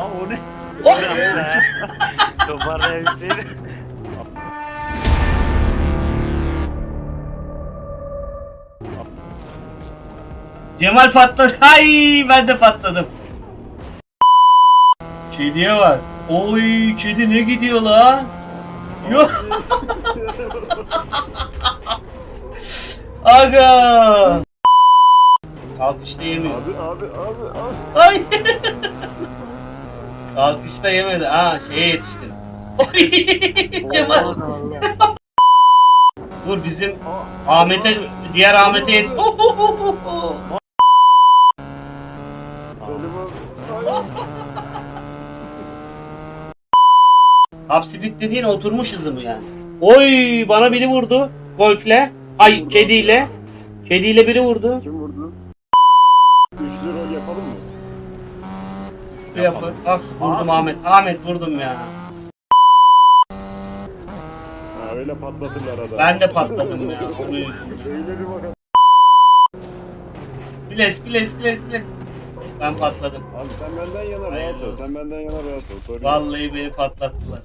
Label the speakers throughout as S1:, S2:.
S1: o ne?
S2: Toparlayabilseydi.
S1: Cemal patladı. Ay ben de patladım. Kediye bak. Oy kedi ne gidiyor lan? Yok. Aga. Kalkışta yemiyor.
S3: Abi.
S1: Ay. Kalkışta yemedi. Ha şeye yetiştim. Oy Cemal. Dur bizim Ahmet'e diğer Ahmet'e yetiş.
S3: Selim abi.
S1: Top speed dediğin oturmuş hızı mı yani? Oy bana biri vurdu golfle. Ay kediyle. Kediyle biri vurdu.
S3: Kim vurdu? Üçlü rol yapalım mı?
S1: Şuraya yapın. Bak vurdum Ahmet. Ahmet vurdum ya.
S3: Ha öyle patlatırlar adam.
S1: Ben de patladım ya. Onun yüzünden.
S3: Öyle bir bakalım.
S1: Biles. Ben patladım.
S3: Abi sen benden yana rahat
S1: Hayırlı
S3: ol.
S1: olsun.
S3: Sen benden yana rahat ol. Sorun yok.
S1: Vallahi beni patlattılar.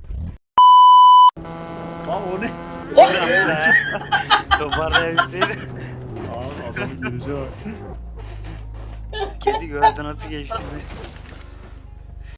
S2: O ne?
S1: Oh!
S2: Toparlayabilseydi.
S3: Abi adamın geleceği bak.
S2: Kedi gördü nasıl geçti mi?